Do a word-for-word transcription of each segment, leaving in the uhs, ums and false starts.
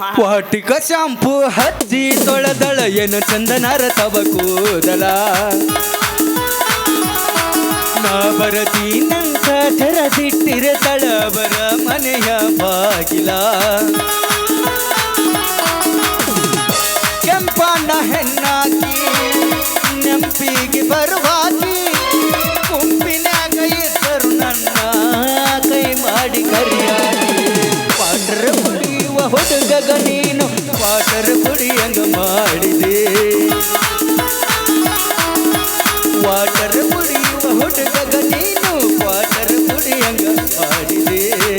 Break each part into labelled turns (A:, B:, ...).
A: ವಾಟಿಕ shampoo ಹಚ್ಚಿ ತೊಳೆದಳ ಏನು ಚಂದನರ ತವ ಕೂದಲ ನಾ ಬರತೀನಂತ ತೆರದಿಟ್ಟಿರ ತಳಬರ ಮನೆಯ ಬಾಗಿಲ ಕೆಂಪಣ್ಣ ಹೆಣ್ಣಾಕಿ ನೆಂಪಿಗೆ ಬರುವಾಗಿ ಗುಂಪಿನಾಗ ಇದ್ದರು ನನ್ನ ಕೈ ಮಾಡಿ ಕರಿಯಾಗಿ ವಾಟರ್ ಕುಡಿಯುವ ಹುಡುಗಗ ನೀನು ವಾಟರ್ ಕುಡಿಯಂಗ ಮಾಡಿದೆ ವಾಟರ್ ಕುಡಿಯುವ ಹುಡುಗಗ ನೀನು ವಾಟರ್ ಕುಡಿಯಂಗ ಮಾಡಿದೆ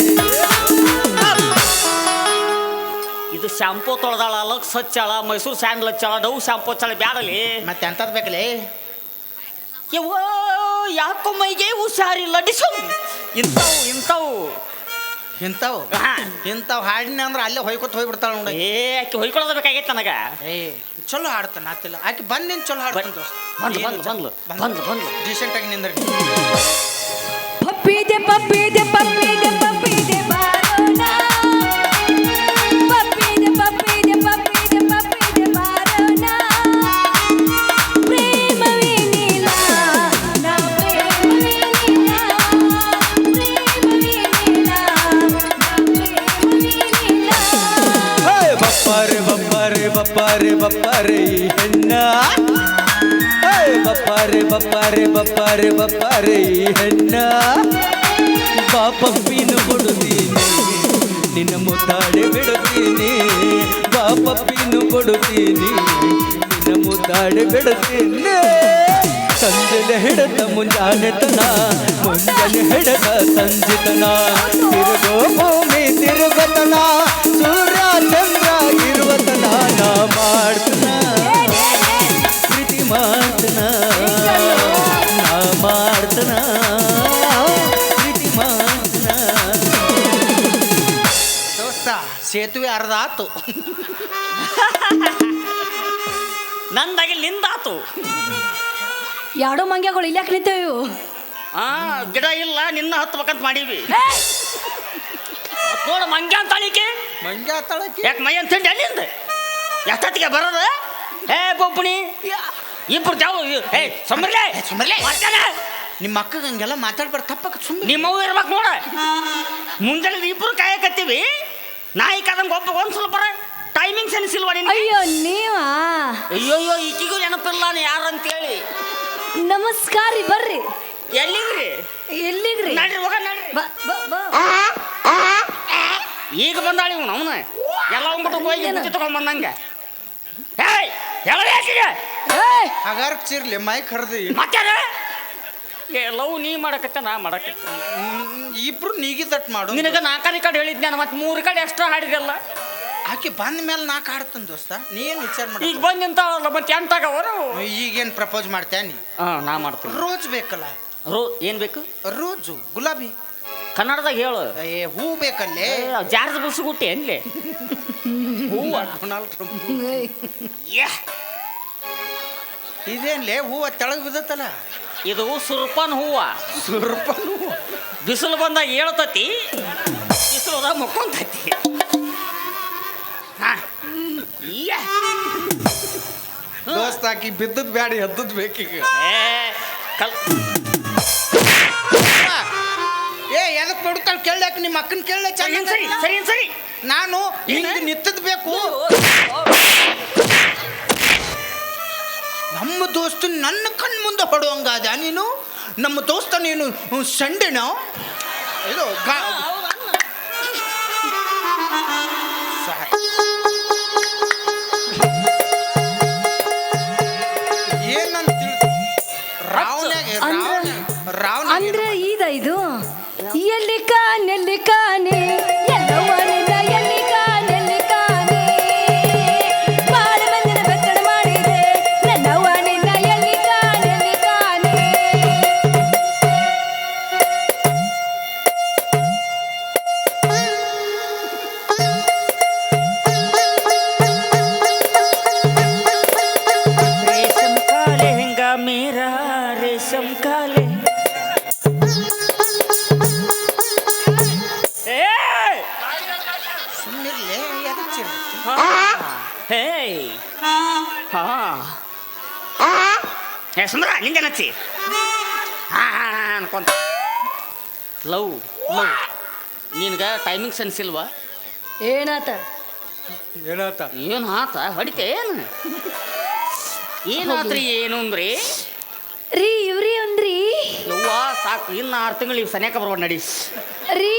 B: ಇದು ಶಾಂಪೂ ತೊಳೆದಾಳ ಲಕ್ಸ್ ಹಚ್ಚಾಳ ಮೈಸೂರು ಸ್ಯಾಂಡಲ್ ಹಚ್ಚಾಳ ಡವ್ ಶಾಂಪೂ ಹಚ್ಚಾಳ ಬ್ಯಾಡಲಿ
C: ಮತ್ತೆ ಎಂತದ್ ಬೇಕಲೇ
B: ಯವ್ವ ಯಾಕೋ ಮೈಗೆ ಹುಷಾರಿಲ್ಲ ಡಿಸು ಇಂಥವು ಇಂಥವು
C: ಇಂಥವು ಇಂಥವು ಹಾಡಿನ ಅಂದ್ರೆ ಅಲ್ಲೇ ಹೊಯ್ಕೊತ ಹೋಗ್ಬಿಡ್ತಾಳ ನೋಡ.
B: ಏ ಆಕೆ ಹೊಯ್ಕೊಳ್ಳೋದು ಬೇಕಾಗೈತೆ ನನಗ.
C: ಏ ಚಲೋ ಹಾಡ್ತಾನ ಆತಿಲ್ಲ ಆಕೆ ಬಂದಿನ ಚಲೋ ಹಾಡ್ತಾನ ದೋಸ್ತ.
B: ಬಂದ್ಲು ಬಂದ್ಲು ಬಂದ್ಲು ಬಂದ್ಲು ಬಂದ್ಲು
C: ಡೀಸೆಂಟ್ ಆಗಿ ನಿಂದ್ರಿ.
D: ಪಪ್ಪಿದೆ ಪಪ್ಪಿದೆ ಪಪ್ಪಿದೆ ಪಪ್ಪಿದೆ ಬಾರೋಣ ಪಪ್ಪಿದೆ ಪಪ್ಪಿದೆ ಪಪ್ಪಿದೆ ಪಪ್ಪಿದೆ ಬಾರೋಣ ಪ್ರೇಮವೇ ನೀಲ ನಾ ಪ್ರೇಮವೇ ನೀಲ ಪ್ರೇಮವೇ ನೀಲ ನಾ ಪ್ರೇಮವೇ ನೀಲ.
A: ಬಪ್ಪಾರೆ ಬಪ್ಪಾರೆ ಬಪ್ಪಾರೆ ಬಪ್ಪಾರೆ ಈ ಹೆಣ್ಣ ಬಪ್ಪಾರೆ ಬಪ್ಪಾರೆ ಬಪ್ಪಾರೆ ಬಪ್ಪಾರೆ ಈ ಹೆಣ್ಣ ಬಾಪಪ್ಪಿನು ಕೊಡುತ್ತೀನಿ ನಿನ್ನ ಮುದ್ದಾಡೆ ಬಿಡುತ್ತೀನಿ ಬಾಪಪ್ಪಿನು ಕೊಡುತ್ತೀನಿ ನಿನ್ನ ಮುದ್ದಾಡೆ ಬಿಡುತ್ತೀನಿ ಸಂಜೆಲೆ ಹಿಡತ ಮುಂಜಾನೆತನ ಮುಂಜಾನೆ ಹಿಡತ ಸಂಜಿತನ ತಿರುಗೋ ಭೂಮಿ ತಿರುಗತನ ಸೂರ್ಯ ಚಂದ್ರ ಇರುವತನ ನಾ ಮಾಡ್ತನ ಪ್ರೀತಿ ಮಾಡ್ತನ ನಾ ಮಾಡ್ತನ ಪ್ರೀತಿ ಮಾಡ್ತನ.
C: ದೋಸ್ತ ಸೇತುವೆ ಅರ್ಧ ಆತು
B: ನಂದಾಗಿ ನಿಂದಾತು.
D: ಯಾಡೋ ಮಂಗ್ಯಗಳು ಇಲ್ಯಾಕೆ ನಿಂತೇವು?
B: ಆ ಗಿಡ ಇಲ್ಲ ನಿನ್ನ ಹತ್ಬೇಕಂತ ಮಾಡೀವಿ. ನೋಡ ಮಂಗ್ಯ ಅಂತ ಅಳಿಕೆ
C: ಮಂಗ್ಯ ಆತಾಳಕ್ಕೆ
B: ಯಾಕೆ ಮೈ ಅಂತ ತಿಂಡಿ ಅಲ್ಲಿಂದ ಎಷ್ಟೊತ್ತಿಗೆ ಬರೋದು? ಏ ಬೊಬ್ಬಣಿ ಇಬ್ರು ಜಾವು ಏ ಸೊಂಬರ್ಲೆ
C: ಸುಮ್ಮನೆ
B: ಮಾಡ್ತಾನೆ
C: ನಿಮ್ಮ ಅಕ್ಕಗೆ ಹಂಗೆಲ್ಲ ಮಾತಾಡ್ಬಾರ ತಪ್ಪಕ್ಕ ಸುಮ್ಮನೆ
B: ನಿಮ್ಮವು ಇರ್ಬೇಕು ನೋಡ. ಮುಂಜಾನೆ ಇಬ್ರು ಕಾಯಕತ್ತೀವಿ ನಾಯಿ ಕಾದಂಗೆ ಒಬ್ಬ ಒಂದು ಸ್ವಲ್ಪ ಟೈಮಿಂಗ್ ಸೆನ್ಸ್ ಇಲ್ವಾ ನಿನ್ನ?
D: ಅಯ್ಯೋ ನೀವಾ?
B: ಅಯ್ಯೋಯ್ಯೋ ಈಕಿಗೂ ನೆನಪಿಲ್ಲ ನೀ ಯಾರು ಅಂತೇಳಿ.
D: ನಮಸ್ಕಾರ ರೀ, ಬರ್ರಿ.
B: ಎಲ್ಲಿಗ್ರಿ?
D: ಎಲ್ಲಿಗ್ರಿ?
B: ನಡ್ರಿ ಹೋಗ ನಡ್ರಿ.
D: ಬ ಬ ಬ
B: ಈಗ ಬಂದಾಳಿ ಇವನು ಅವನ ಎಲ್ಲ ಹೋಗ್ಬಿಟ್ಟು ಹೋಗಿ ಬುತ್ತಿ ತಗೊಂಡ್ಬಂದಂಗೆ. ಏಯ್ ಹೇಳಬೇಕಿಗೆ
D: ಏಯ್
C: ಹಗಾರ ಚಿರ್ಲಿ ಮೈ ಕರ್ದಿ
B: ಮತ್ತೆ ಲವ್ ನೀ ಮಾಡಕತ್ತ ನಾ ಮಾಡಕತ್ತ.
C: ಇಬ್ರು ನೀಗಿ ತಟ್ ಮಾಡು.
B: ನಿನಗೆ ನಾಲ್ಕನೇ ಕಡೆ ಹೇಳಿದ್ದೆ ನಾನು ಮತ್ತೆ ಮೂರು ಕಡೆ ಎಕ್ಸ್ಟ್ರಾ ಹಾಡಿದೆಲ್ಲ.
C: ಆಕೆ ಬಂದ ಮೇಲೆ ನಾಲ್ಕು ಆಡ್ತಾನ ದೋಸ್ತ. ನೀ ಏನು ವಿಚಾರ ಮಾಡಿ
B: ಈಗ ಬಂದು ನಿಂತಾವಲ್ಲ ಮತ್ತೆ ಎಂಟಾಗವರು.
C: ಈಗೇನು ಪ್ರಪೋಸ್ ಮಾಡ್ತೀಯ ನೀ?
B: ಹಾಂ ನಾ ಮಾಡ್ತೀನಿ.
C: ರೋಜ್ ಬೇಕಲ್ಲ?
B: ರೋ ಏನು ಬೇಕು?
C: ರೋಜು ಗುಲಾಬಿ
B: ಕನ್ನಡದಾಗ ಹೇಳು.
C: ಏ ಹೂ ಬೇಕಲ್ಲೇ?
B: ಜಾರ್ಜ್ ಬುಸ್ಗುಟ್ಟಿ ಎನ್ಲೆ ಹೂವ
C: ಡೊನಾಲ್ಡ್ ಟ್ರಂಪ್
B: ಯಾ
C: ಇದೇನ್ಲೇ ಹೂವ ತೆಳಗ್ ಬಿದ್ದತ್ತಲ್ಲ?
B: ಇದು ಸುರ್ಪನ್ ಹೂವ.
C: ಸುರ್ಪನ್ ಹೂವ
B: ಬಿಸಿಲು ಬಂದಾಗ ಹೇಳ್ತತಿ, ಬಿಸಿಲು ಹೋದಾಗ ಮುಕ್ಕೊಂತತಿ.
C: ದೋಸ್ತ ಆಕಿ ಬಿದ್ದದ್ ಬ್ಯಾಡಿ ಎದ್ದದ್ ಬೇಕೀಗ.
B: ಕಲ್
C: ಏ ಎದಕ್ ನೋಡ್ತಾಳ ಕೇಳಕ್ ನಿಮ್ಮ ಅಕ್ಕನ ಕೇಳ
B: ಸರಿ ಸರಿ ಸರಿ ಸರಿ
C: ನಾನು ಹಿಂಗೆ ನಿತ್ತದ್ ಬೇಕು. ನಮ್ಮ ದೋಸ್ತ ನನ್ನ ಕಣ್ ಮುಂದೆ ಹೊಡುವಂಗಾದ ನೀನು. ನಮ್ಮ ದೋಸ್ತ ನೀನು ಸಂಡೆನ ಇದು ಏನಂತ ರಾವಣ
D: ಅಂದ್ರೆ ಇದ ಇದು ಎಲ್ಲಿ ಕಾನೆಲ್ಲಿ ಕಾನೆ ಎಲ್ಲವನಿಂದ ಎಲ್ಲಿ ಕಾನೆಲ್ಲಿ ಕಾನೆ ಬಾಳ ಮಂದಿನ ಬೆತ್ತಡ ಮಾಡಿದೆ ನನ್ನವನಿಂದ ಎಲ್ಲಿ ಕಾನೆಲ್ಲಿ ಕಾನೆ.
C: ಹಚ್ಚಿರ
B: ಹೇ ಹಾ ಏ ಸುಂದರ ನಿಂದೇನು ಹಚ್ಚಿ ಹಾ ಅನ್ಕೊಂತ ಲವ್ ಲವ್ ನಿನ್ಗೆ ಟೈಮಿಂಗ್ ಸೆನ್ಸ್ ಇಲ್ವಾ
D: ಏನಾತ
A: ಏನಾತ
B: ಏನು ಆತ ಹೊಡಿತೆ ಏನು ಏನಾತ್ರಿ ಏನು ಅಂದ್ರಿ
D: ರೀ ಇವ್ರಿ ಅಂದ್ರಿ
B: ಯವ್ವ ಸಾಕು ಇನ್ನು ಆರು ತಿಂಗಳು ಇವು ಸನ್ಯಾಕ ಬರ್ಬೋದು ನಡಿ
D: ರೀ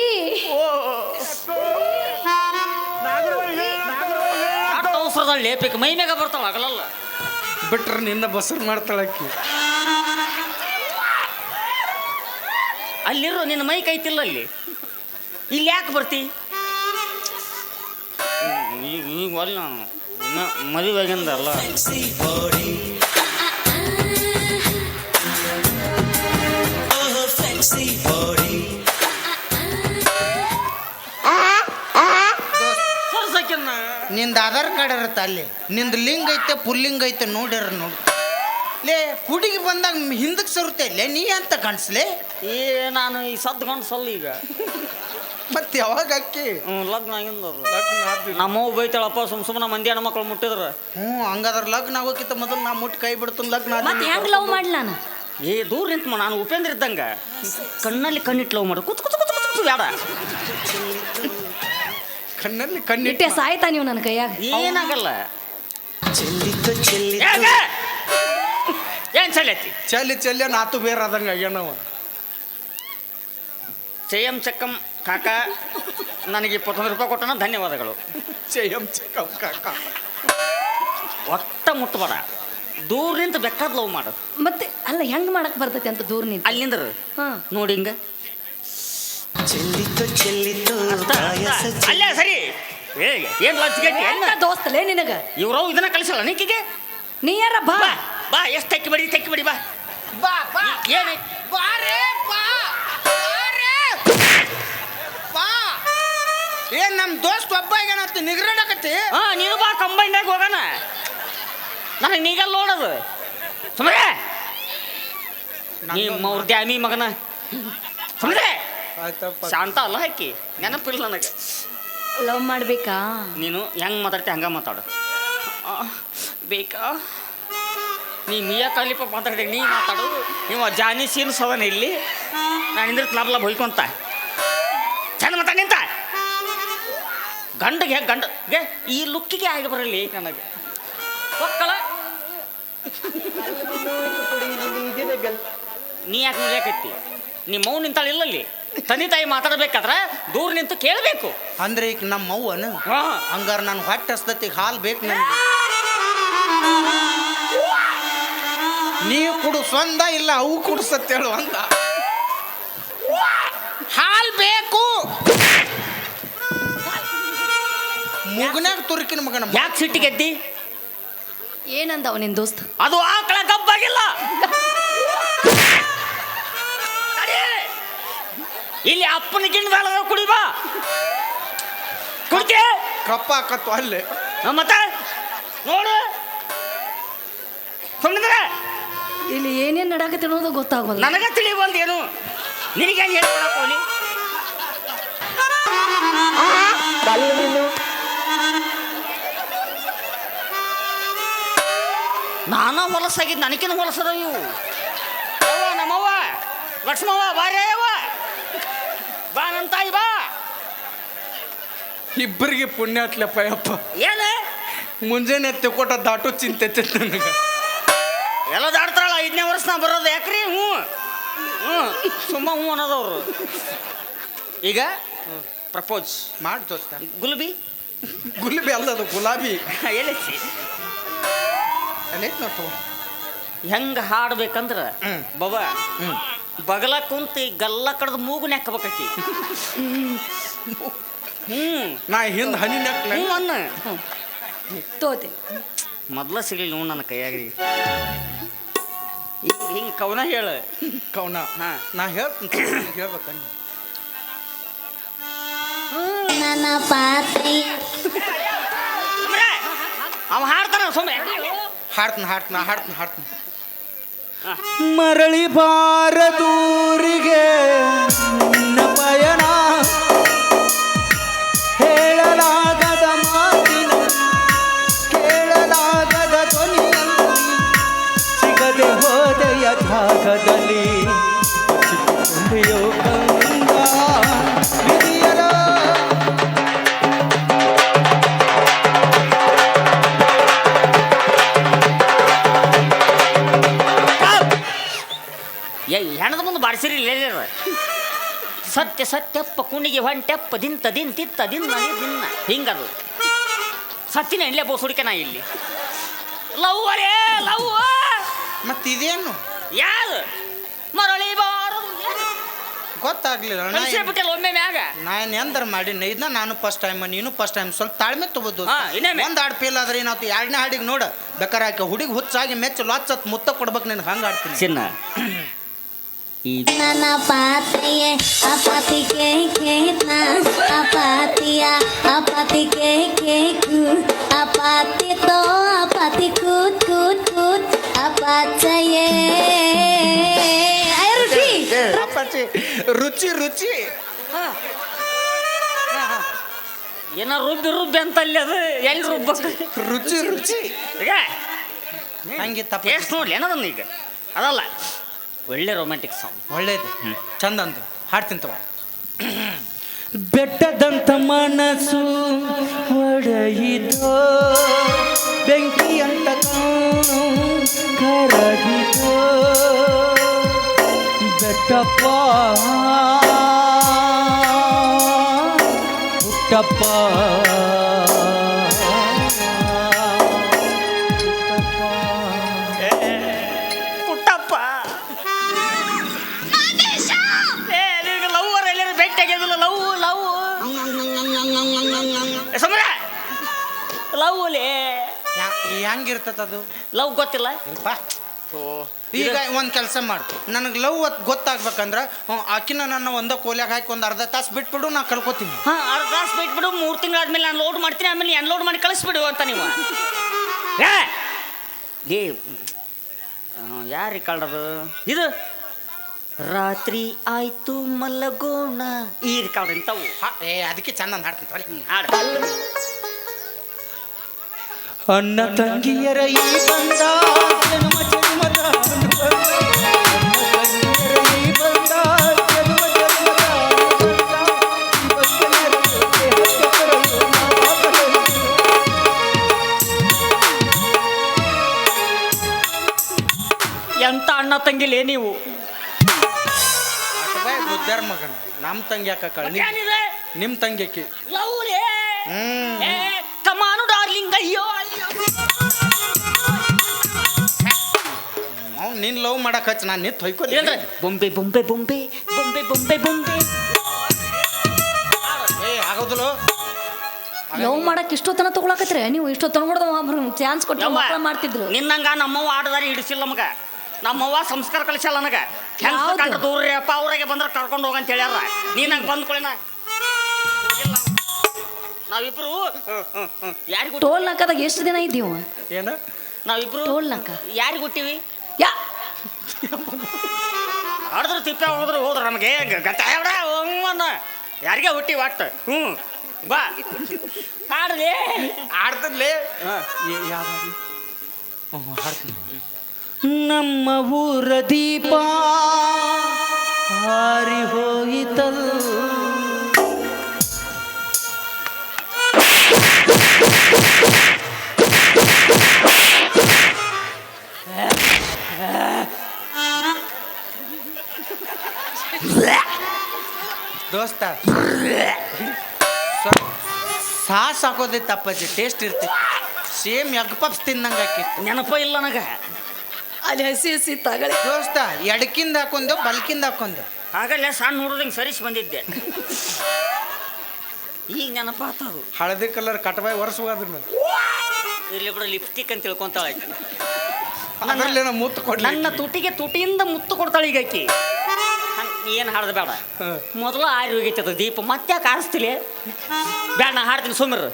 B: ಅವಸರದಲ್ಲಿ ಲೇಪಿಕ್ ಮೈ ಮ್ಯಾಗ ಬರ್ತಾವ ಆಗಲಲ್ಲ
A: ಬಿಟ್ರೆ ನಿನ್ನ ಬಸರ್ ಮಾಡ್ತಾಳಕ್ಕಿ
B: ಅಲ್ಲಿರೋ ನಿನ್ನ ಮೈ ಕೈತಿಲ್ಲ ಅಲ್ಲಿ ಇಲ್ಲಿ ಯಾಕೆ ಬರ್ತಿ ಈಗ ಈಗ ಒಲ್ಲ ಮದುವೆ ಆಗಿಂದಲ್ಲ ಸರ್ಸಕ್ಕಿನ್ನ
C: ನಿಂದ ಆಧಾರ್ ಕಾರ್ಡ್ ಇರುತ್ತೆ ಅಲ್ಲಿ ನಿಂದ ಲಿಂಗ್ ಐತೆ ಪುಲ್ಲಿಂಗ್ ಐತೆ ನೋಡ್ಯಾರ ನೋಡಿ ಲೇ ಹುಡುಗಿ ಬಂದಾಗ ಹಿಂದಕ್ಕೆ ಸರುತ್ತೆ ಲೇ ನೀ ಅಂತ ಕಾಣಿಸ್ಲೆ
B: ಏ ನಾನು ಈ ಸದ್ಕೊಂಡು ಸಲ್ಲ ಈಗ
C: ಮತ್ತೆ ಯಾವಾಗ ಅಕ್ಕಿ
B: ಹ್ಞೂ ಲಗ್ನ ಆಗಿಂದವ್ರು ನಮ್ಮವ್ವ ಬೈತಾಳಪ್ಪ ಸುಮ್ ಸುಮ್ಮನೆ ಮಂದಿ ಹೆಣ್ಣು ಮಕ್ಕಳು ಮುಟ್ಟಿದ್ರ
C: ಹ್ಞೂ ಹಂಗಾದ್ರೆ ಲಗ್ನ ಆಗೋಕ್ಕಿಂತ ಮೊದಲು ನಾ ಮುಟ್ಟಿ ಕೈ ಬಿಡ್ತೀನಿ ಲಗ್ನ
D: ಮತ್ತೆ ಹೆಂಗ್ ಲವ್ ಮಾಡ್ಲಿ ನಾನು
B: ಏ ದೂರ ನಿಂತು ನಾನು ಉಪೇಂದ್ರ ಇದ್ದಂಗ ಕಣ್ಣಲ್ಲಿ ಕಣ್ಣಿಟ್ಟು ಲವ್ ಮಾಡು ಕುತ್ ಕುತ್ ಕುತ್ ಕುತ್ ಬೇಡ
C: ಕಣ್ಣಲ್ಲಿ
D: ಇಟ್ಟೆ
C: ಕಣ್ಣಿಟ್ಟೆ
D: ಸಾಯ್ತಾ ನೀವು ನನ್ನ ಕೈಯಾಗ
B: ಏನಾಗಲ್ಲ ಯಾಕ? ಏನ್ ಚಲೈತಿ
A: ಚಲ್ಲಿ ಚಲ್ಲಿ ನಾತು ಬೇರೆ ಆದಂಗೆ ಆಗ್ಯಾನವ
B: ಚಯಂ ಚಕ್ಕಂ ಕಾಕ ನನಗೆ ಇಪ್ಪತ್ತೊಂದು ರೂಪಾಯಿ ಕೊಟ್ಟನ ಧನ್ಯವಾದಗಳು
A: ಚಯಂ ಚಕಂ ಕಾಕ
B: ಒಟ್ಟ ಮುಟ್ಟಬೇಡ ದೂರ ನಿಂತು ಬೇಕಾದ ಲವ್ ಮಾಡು
D: ಮತ್ತೆ ಅಲ್ಲ ಹೆಂಗ್ ಮಾಡಕ್ ಬರ್ತೈತಿ ಅಂತ ದೂರ ನಿಂತ
B: ಅಲ್ಲಿಂದ್ರ
D: ಹಾ
B: ನೋಡಿ ಹಿಂಗ ಅಷ್ಟ, ಅಷ್ಟ. ಅಲ್ಲೇ ಸರಿ ಏ ಏನ್ ಲಂಚ್ಗೆಟ್ಟಿ
D: ಎಂತ ದೋಸ್ತಲೇ ನಿನಗ
B: ಇವ್ರು ಇದನ್ನ ಕಳಿಸಲ್ಲ ನಿಕ್ಕಿಗೆ
D: ನೀ ಯಾರ ಬಾ
B: ಬಾ ಬಾ ಎಷ್ಟು ತೆಕ್ಕಿ ಬಡಿ ತೆಕ್ಕಿ ಬಡಿ ಬಾ
C: ಬಾ ಬಾ
B: ಏನು
C: ಬಾರೇ ಬಾ ಬಾರೇ ಬಾ ಏನ್ ನಮ್ಮ ದೋಸ್ತ್ ಒಬ್ಬ ಏನಂತ ನಿಗ್ರಡಕತ್ತಿ
B: ಹಾ ನೀನು ಬಾ ಕಂಬೈನ್ದಾಗ ಹೋಗೋಣ ನನಗೆ ನೀಗಲ್ಲ ನೋಡೋದು ಸುಮ್ಮನೆ ನಿಮ್ಮ ಅವ್ರ ದ್ಯಾಮಿ ಮಗನ ಸುಮ್ಮನೆ
A: ಆಯ್ತಪ್ಪ
B: ಶಾಂತ ಅಲ್ಲ ಹಾಕಿ ನೆನಪಿಲ್ಲ ನನಗೆ
D: ಲವ್ ಮಾಡ್ಬೇಕಾ
B: ನೀನು ಹೆಂಗೆ ಮಾತಾಡ್ತಿ ಹಂಗೆ ಮಾತಾಡು ಆ, ಬೇಕಾ ನೀ ಮಿಯಾ ಕಾಲಿಪ ಮಾತಾಡಿ ನೀ ಮಾತಾಡು ನೀವು ಜಾನಿ ಸೀನ್ ಸವನ ಇಲ್ಲಿ ನಾನು ಇಂದ್ರ ಲಾಭ ಹೊಯ್ಕೊಂತ ಚಂದ ಮಾತಾಡಿ ನಿಂತ ಗಂಡಗೆ ಗಂಡಗೆ ಈ ಲುಕ್ಕಿಗೆ ಆಗಿ ಬರಲಿ ನನಗೆ ಒಕ್ಕಳ ನೀ ಯಾಕೆ ನೋಡ್ಯಾಕತ್ತಿ ನೀ ಮೌನ್ ನಿಂತಾಳ ಇಲ್ಲಲ್ಲಿ ತಂದೆ ತಾಯಿ ಮಾತಾಡ್ಬೇಕಾದ್ರೆ ದೂರ ನಿಂತು ಕೇಳಬೇಕು
C: ಅಂದ್ರೆ ಈಗ ನಮ್ಮ ಅವ್ವನು
B: ಹಾ
C: ಹಂಗಾರ ನಾನು ಹೊಟ್ಟೆ ಹಸ್ದತಿ ಹಾಲು ಬೇಕು ನನಗೆ ನೀವು ಕುಡು ಸ್ವಂದ ಇಲ್ಲ ಅವು ಕುಡ್ಸತ್ತೇಳು ಅಂತ ಹಾಲು ಬೇಕು ಮುಗನಾಗ ತುರುಕಿನ ಮಗನ
B: ಯಾಕೆ ಸಿಟ್ಟಿಗೆದ್ದಿ
D: ಏನಂದವ ನಿನ್ ದೋಸ್ತ್
B: ಅದು ಆಕಳ ಗಬ್ಬಾಗಿಲ್ಲ ಅರೇ, ಇಲ್ಲಿ ಅಪ್ಪನ ಗಿಣ್ಣ ಕುಡಿ ಬಾ ಕುಡ್ತಿ
A: ಕಪ್ಪ ಹಾಕತ್ತು ಅಲ್ಲೇ
B: ಮತ್ತೆ ನೋಡು ಸುಮ್ಮನೆ
D: ಇಲ್ಲಿ ಏನೇನ್ ನಡಾಕತ್ತಿ ಅನ್ನೋದು ಗೊತ್ತಾಗೋಲ್ಲ
B: ನನಗ ತಿಳಿಯುವಂತ ಏನು ನಿನಗೇನು ಹೇಳ್ಕೊಳಕ್ ಹೋಗ್ಲಿ ನಾನ ಹೊಲಸಾಗಿದ್ದು ನನಗಿನ ಹೊಲಸದ ಇವು ಅವ್ವ ನಮ್ಮವ್ವ ಲಕ್ಷ್ಮವ್ವ ಬಾರೇ ಅವ್ವ ಬಾ ನನ್ನ ತಾಯಿ ಬಾ
A: ಇಬ್ಬರಿಗೆ ಪುಣ್ಯ ಹತ್ಲಪ್ಪ ಯಪ್ಪ
B: ಏನು
A: ಮುಂಜಾನೆ ತೆಕೊಟ್ಟ ದಾಟು ಚಿಂತೆ ನನಗೆ
B: ಎಲ್ಲ ದಾಡ್ತಾರಲ್ಲ ಐದನೇ ವರ್ಷ ನಾ ಬರೋದು ಯಾಕ್ರಿ ಹ್ಞೂ ಹ್ಞೂ ಸುಮ್ಮ ಹ್ಞೂ ಅನ್ನೋದವ್ರು ಈಗ ಪ್ರಪೋಸ್
C: ಮಾಡಿ ದೋಸ್ತ
B: ಗುಲ್ಬಿ
A: ಗುಲಾಬಿ ಅಲ್ಲದು ಗುಲಾಬಿ
B: ಎಲ್ಲಿಸಿ
C: ಅಲ್ಲೈತ್ ನೋಡ್ತು
B: ಹೆಂಗೆ ಹಾಡ್ಬೇಕಂದ್ರ
C: ಹ್ಮ್.
B: ಬಾಬಾ
C: ಹ್ಞೂ
B: ಬಗಲ ಕುಂತು ಈ ಗಲ್ಲ ಕಡ್ದು ಮೂಗು ನೆಕ್ಕಬೇಕಿ ಹ್ಞೂ
A: ನಾ ಹಿಂದೆ ಹನಿ ನೆಕ್
B: ಹ್ಞೂ ಅನ್ನ
D: ತೋತೆ
B: ಮೊದ್ಲ ಸಿಗಲಿ ನೀವು ನನ್ನ ಕೈಯಾಗ್ರಿ ಹಿಂಗೆ ಹಿಂಗೆ ಕವನ ಹೇಳ
A: ಕವನ
B: ಹಾ
A: ನಾ ಹೇಳ್ತೀನಿ ಹೇಳ್ಬೇಕ
D: ನನ್ನ ಪಾತ್ರೆಯ
B: ಸುಮ್ರೆ, ಅವ ಹಾಡ್ತಾನ ಸುಮ್ಮನೆ
C: ಹಾಡ್ತೀನಿ ಹಾಡ್ತೀನಿ ಹಾಡ್ತೀನಿ ಹಾಡ್ತೀನಿ
A: ಮರಳಿ ಬಾರದೂರಿಗೆ ನಿನ್ನ ಪಯಣ ಹೇಳಲಾಗದ ಮಾತಿ ಲೋಕದಲ್ಲಿ ಸಿಕ್ಕಿಕೊಂಡೆಯೋ ಕಂದ ವಿಧಿಯರ.
B: ಏ ಹೆಣದ ಮುಂದೆ ಬಾಡಿಸಿರಿ ಇಲ್ಲ ಸತ್ಯ ಸತ್ಯಪ್ಪ ಕುಣಿಗೆ ಹೊಂಟೆಪ್ಪ ದಿಂತ ದಿಂತಿತ್ತ ದಿನ್ನ ದಿನ್ನ ಹಿಂಗದು ಸತ್ತಿನ ಇಲ್ಲೇ ಬೋಸುಡಿಕೆ ನಾ ಇಲ್ಲಿ ಲವ್ ಅರೇ ಲವ್
C: ಮತ್ತೆ ಇದೇನು
B: ಯಾರು ಮರಳಿ ಬಾರದು
C: ಗೊತ್ತಾಗ್ಲಿಲ್ಲ
B: ಬಿಟ್ಟಲ್ಲ ಒಮ್ಮೆ ಮ್ಯಾಗ
C: ನಾನು ಎಂದರ ಮಾಡಿ ಇದನ್ನ ನಾನು ಫಸ್ಟ್ ಟೈಮ್ ನೀನು ಫಸ್ಟ್ ಟೈಮ್ ಸ್ವಲ್ಪ ತಾಳ್ಮೆ ತಗೋದು
B: ಹಾ, ಇನ್ನೊಮ್ಮೆ.
C: ಒಂದು ಹಾಡು ಫೇಲ್ ಆದ್ರೆ ಏನಾಯ್ತು ಎರಡನೇ ಹಾಡಿಗೆ ನೋಡ ಬೇಕಾರೆ ಆಕೆ ಹುಡುಗಿ ಹುಚ್ಚಾಗಿ ಮೆಚ್ಚು ಲಾಚತ್ ಮುತ್ತ ಕೊಡ್ಬೇಕು ನಿನ್ಗೆ ಹಂಗೆ ಆಡ್ತೀನಿ
B: ಚಿನ್ನ ಈ
D: ನನ್ನ ಪಾತಿಯೇ ಅಪಾತಿ ಕೆ ಕೇತ ಅಪಾತಿಯ ಅಪಾತಿ ಕೆ ಕೇಕು ಅಪಾತಿ ತೋ ಅಪಾತಿ ಕೂತ್ ಕೂತ್ ಕೂತ್ ಅಪಾಚಯೇ ರುಚಿ
C: ಅಪ್ಪಾಚಿ ರುಚಿ ರುಚಿ
B: ಏನ ರುಬ್ಬಿ ರುಬ್ಬಿ ಅಂತ ಅಲ್ಲಿ ಅದು ಎಲ್ಲಿ ರುಬ್ಬ
C: ರುಚಿ ರುಚಿ
B: ಈಗ
C: ಹಂಗೆ ತಪ್ಪ
B: ಟೇಸ್ಟ್ ನೋಡ್ಲಿ ಏನದನ್ನ ಈಗ ಅದಲ್ಲ ಒಳ್ಳೆ ರೊಮ್ಯಾಂಟಿಕ್ ಸಾಂಗ್
C: ಒಳ್ಳೇದು ಚಂದ ಅಂದು ಹಾಡ್ತೀನಿ ತಗೋ
A: ಬೆಟ್ಟದಂತ ಮನಸ್ಸು ಒಡೆಯಿತೋ ಬೆಂಕಿ ಅಂತ ಕರಗಿತೋ ಬೆಟ್ಟಪ್ಪ ಹುಟ್ಟಪ್ಪ
B: ಪುಟ್ಟಪ್ಪ ಏ ನಿನಗೆ ಲವ್ವರ್ ಎಲ್ಲರೂ ಭೇಟಿ ಆಗಿದಿಲ್ಲ ಲವ್ ಲವ್ ಸಮರ ಲವ್ ಲೇ
C: ಹೆಂಗಿರ್ತದ ಅದು
B: ಲವ್ ಗೊತ್ತಿಲ್ಲ
C: ಇಲ್ಪ. ಈಗ ಒಂದು ಕೆಲಸ ಮಾಡು ನನಗೆ ಲವ್ ಗೊತ್ತಾಗ್ಬೇಕಂದ್ರೆ ಹ್ಞೂ, ಆಕಿನ ನನ್ನ ಒಂದ ಕೋಲ್ಯಾಗ ಹಾಕಿ ಒಂದು ಅರ್ಧ ತಾಸು ಬಿಟ್ಬಿಡು ನಾ ಕಳ್ಕೊತೀನಿ
B: ಹಾಂ ಅರ್ಧ ತಾಸು ಬಿಟ್ಬಿಡು ಮೂರು ತಿಂಗಳಾದ್ಮೇಲೆ ನಾನು ಲೋಡ್ ಮಾಡ್ತೀನಿ ಆಮೇಲೆ ಅನ್ಲೋಡ್ ಮಾಡಿ ಕಳಿಸ್ಬಿಡು ಅಂತ ನೀವು ಏ ಏ ಯಾರಿಗೆ ಕಳ್ರದು ಇದು ರಾತ್ರಿ ಆಯ್ತು ಮಲಗೋಣ ಈ ಕಾಳು ಇಂಥವು
C: ಹಾ, ಏ ಅದಕ್ಕೆ ಚಂದ ಹಾಡ್ತೀನಿ ತಗೊಳ್ಳಿ.
B: ಹಾಡು
A: ಅಣ್ಣ ತಂಗಿಯರ ಈ ಬಂದ ಜನ್ಮ ಜನ್ಮದ ಅನುಬಂಧ. ಅಣ್ಣ ತಂಗಿಯರ ಈ ಬಂದ ಜನ್ಮ ಜನ್ಮದ ಅನುಬಂಧ. ಇವತ್ತೆಲ್ಲರ ಜೊತೆ ಹಚ್ಚ ಬರಲು ನಾವಾಗಲೆಂದು.
B: ಎಂತ ಅಣ್ಣ ತಂಗಿಲೇ ನೀವು
C: ಅಟಬಾಯ್ ಬುದ್ಧಾರ ಮಗನ ನಮ್ಮ ತಂಗಿ ಯಾಕ ಕಳ್ಳಿ
B: ಏನಿದೆ
C: ನಿಮ್ಮ ತಂಗಿ ಆಕಿ
B: ಲವ್ ಲೇ
C: ಹ್ಮ್
B: ಏ ಕಮಾನು ಡಾರ್ಲಿಂಗ್ ಅಯ್ಯೋ ಅಯ್ಯೋ
C: ಅವ್ನು ನಿನ್ನ ಲವ್ ಮಾಡಕ್ ಹಚ್ಚ ನಾನು ನಿಂತು ಹೊಯ್ಕೊಲಿ
B: ಏನ್ರಿ ಬೊಂಬೆ ಬೊಂಬೆ ಬೊಂಬೆ ಬೊಂಬೆ ಬೊಂಬೆ ಬೊಂಬೆ
C: ಏ ಆಗೋದಿಲ್ಲ
E: ಲವ್ ಮಾಡಕ್ ಇಷ್ಟೊತ್ತನ ತಗೊಳಕತ್ರಿ ನೀವು ಇಷ್ಟೊತ್ತನ ಕೂಡ ಚಾನ್ಸ್ ಕೊಟ್ಟು
B: ಯವ್ವ,
E: ಮಕ್ಕಳ ಮಾಡ್ತಿದ್ರು
B: ನಿನ್ನಂಗ ನಮ್ಮವ್ವ ಆಡದಾರಿ ಹಿಡಿಸಿಲ್ಲ ನಮಗ ನಮ್ಮವ್ವ ಸಂಸ್ಕಾರ ಕಲಿಸಲ್ಲ ನನಗ ಹೆಂಗ್
E: ಯಾವ್ದು?
B: ಕಂಡ್ರೆ ದೂರ ಅಪ್ಪ ಅವ್ರಿಗೆ ಬಂದ್ರೆ ಕರ್ಕೊಂಡು ಹೋಗಂತ ಹೇಳ್ಯಾರ ನೀನ್ ಹಂಗೆ ಬಂದ್ ಕೊಳಿನ ನಾವಿಬ್ರು ಯಾರಿಗೂ
E: ಟೋಲ್ ನಾಕದಾಗ ಎಷ್ಟು ದಿನ ಇದ್ದೀವ
C: ಏನು
B: ನಾವಿಬ್ರು
E: ಟೋಲ್ ನಾಕ
B: ಯಾರಿಗೆ ಹುಟ್ಟಿವಿ
E: ಯಾ
B: ಆಡಿದ್ರು ತಿಪ್ಪೆ ಹೋದ್ರು ಹೋದ್ರು ನಮಗೆ ಗತ ಯಾರಿಗೆ ಹುಟ್ಟಿ ಒಟ್ಟು ಹ್ಞೂ ಬಾ ಹಾಡ್ಲಿ
C: ಆಡ್ತದ್ಲೇ
B: ಹಾಂ
C: ಯಾವ್ದು ಹಾಡ್ತೀನಿ
A: ನಮ್ಮ ಊರ ದೀಪ ಹಾರಿ ಹೋಯಿತಲ್
C: ದೋಸ್ತ ಸಾಸ್ ಹಾಕೋದೇ ತಪ್ಪಜ್ಜಿ ಟೇಸ್ಟ್ ಇರ್ತೈತಿ ಸೇಮ್ ಎಗ್ ಪಪ್ಸ್ ತಿನ್ನಂಗೆ ಆಕೈತಿ
B: ನೆನಪ ಇಲ್ಲ ನನಗೆ
E: ಅಲ್ಲಿ ಹಸಿ ಹಸಿ ತಗಳಿ
C: ದೋಸ್ತ ಎಡಕಿಂದ ಹಾಕೊಂದು ಬಲ್ಕಿಂದ ಹಾಕೊಂದು
B: ಆಗಲ್ಲೇ ಸಣ್ಣ ಹುಡುಗಂಗೆ ಸರಿಸಿ ಬಂದಿದ್ದೆ ಈಗ ನೆನಪ ಆತದು
C: ಹಳದಿ ಕಲರ್ ಕಟ್ಬಾಯಿ ಒರೆಸುವುದನ್ನ
B: ಇಲ್ಲಿ ಬಿಡು ಲಿಪ್ಸ್ಟಿಕ್ ಅಂತ ತಿಳ್ಕೊಂತಾಳೆ ಆಕಿ
C: ಅದರಲ್ಲಿ ಏನೋ ಮುತ್ತು ಕೊಡ್ಲಿ
B: ನನ್ನ ತುಟಿಗೆ ತುಟಿಯಿಂದ ಮುತ್ತು ಕೊಡ್ತಾಳೆ ಈಗ ಆಕಿ ಏನು ಹಾಡ್ದು ಬೇಡ ಮೊದಲು ಆರಿ ಹೋಗೈತೆ ಅದು ದೀಪ ಮತ್ತೆ ಯಾಕೆ ಆರಿಸ್ತಿಲಿ ಬೇಡ ನಾ ಹಾಡ್ತೀನಿ ಸುಮಿರ್